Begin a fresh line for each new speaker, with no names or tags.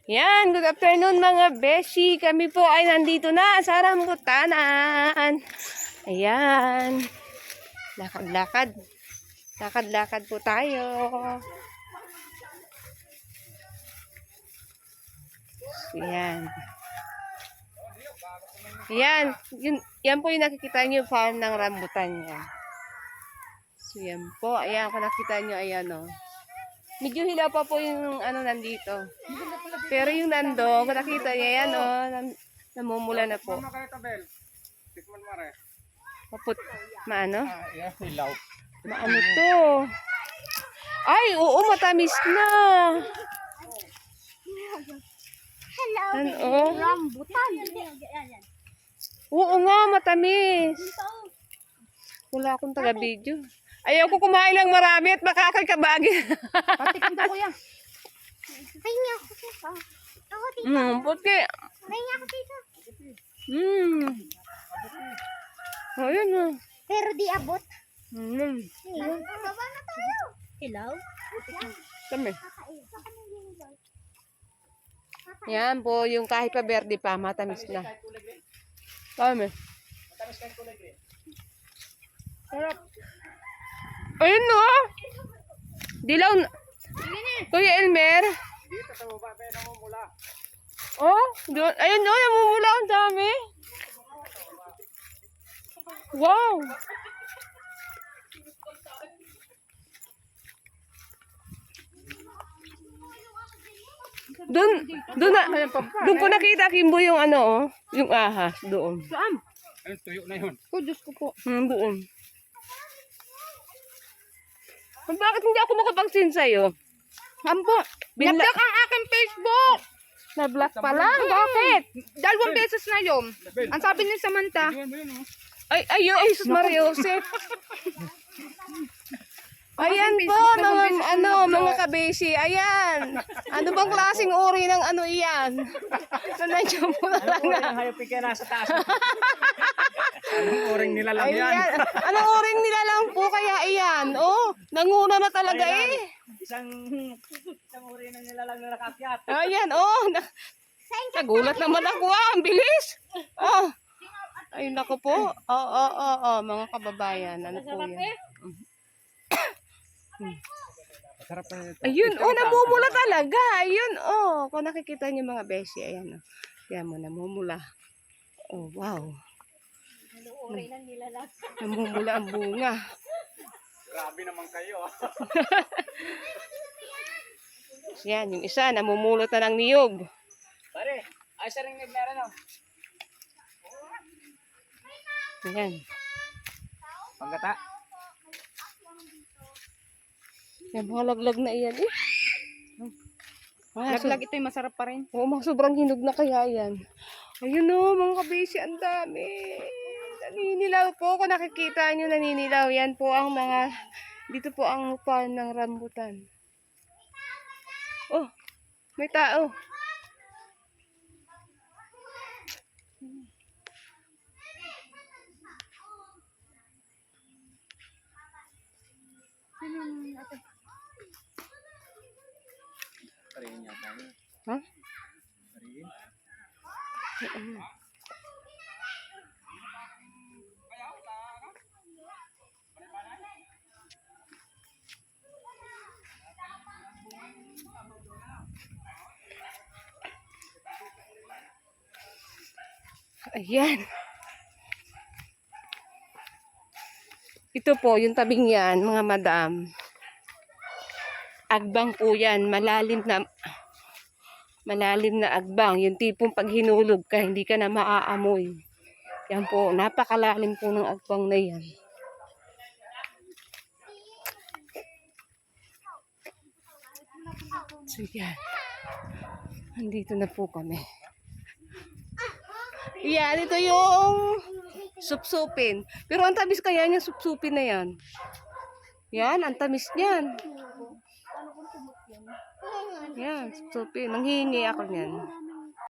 Yan, good afternoon mga beshi. Kami po ay nandito na sa rambutanan. Ayan. Lakad-lakad. Lakad-lakad po tayo. Ayan. Ayan. Yan po yung nakikita nyo farm ng rambutan yan. So yan po. Ayan, kung nakita nyo, ayan o. Medyo hilaw pa po yung ano nandito. Pero yung nando, kung nakita niya yan o, namumula na po. Maput, maano?
Hilaw.
Maano to? Ay, oo, matamis na.
Hello,
Ano?
rambutan.
Oo nga, matamis. Wala akong taga-video. Ayaw ko kumain ng marami at makakagkabagi.
Patikim daw kuya. Pahinga ako dito. Ako dito.
Puti.
Pahinga ako dito.
Ayun na.
Pero di abot.
Mm.
Ayun. Baba na tayo. Hello?
Kami. Yan po, yung kahit pa berde pa, matamis na. Kami. Sarap. Ayun no. Dilaw na. Kuya Elmer.
Dito sa baba pa namumula.
Oh, doon. Ayun no, namumula ang dami. Wow. Doon ko nakita Kimbo yung ano oh, yung ahas doon.
Saan?
Ayun, tuyo na yun.
Oh, Diyos ko po.
Doon. Bakit hindi ako makapagsin sa'yo?
Ambo. Na-block ang aking Facebook.
Na-block pa lang. Bakit?
Dalawang beses na yun. Ang sabi ni Samantha.
Ayun mo yun, oh.
Ay, sus Maria Joseph. Ayan po, mga kabeshi. Ayan. Ano bang klaseng uri ng ano iyan? So, nandiyan po na lang na.
Ang hayop ka nasa taas. Anong oring nila lang yan?
Ayan. Anong oring nila lang po kaya iyan? Oh, nanguna na talaga eh.
Isang uri ng nila lang na nakakyat.
Ayan, oh. Nagulat naman ako ang bilis. Oh. Ay, naku po. Mga kababayan. Ano po yan?
Masarap na ito.
Ayun, namumula talaga. Ayun, kung nakikita niyo mga beshi, ayan, Yan mo, namumula. Oh, wow. Namumula ang bunga.
Grabe naman kayo.
Yan, yung isa, namumulot na ng niyog.
Pare, ay sa ring meron oh.
Ayan.
Panggata.
Yan, mga laglag na iyan eh.
Laglag ito yung masarap pa rin.
Oo, sobrang hinog na kaya yan. Ayun o, mga kabeshi, ang dami. Naninilaw po. Kung nakikita nyo, naninilaw. Yan po ang mga, dito po ang farm ng rambutan. Oh, may tao.
Parihin niya tayo.
Ha?
Parihin.
Ayan. Ito po, yung tabing yan, mga madam. Agbang po yan. Malalim na agbang. Yung tipong pag hinulog ka, hindi ka na maaamoy. Yan po, napakalalim po ng agbang na yan. So yan. Nandito na po kami. Yan, ito yung supsupin. Pero ang tamis kaya niya supsupin na yan. Yan, ang tamis niyan. Yan, supsupin. Nanghihingi ako niyan.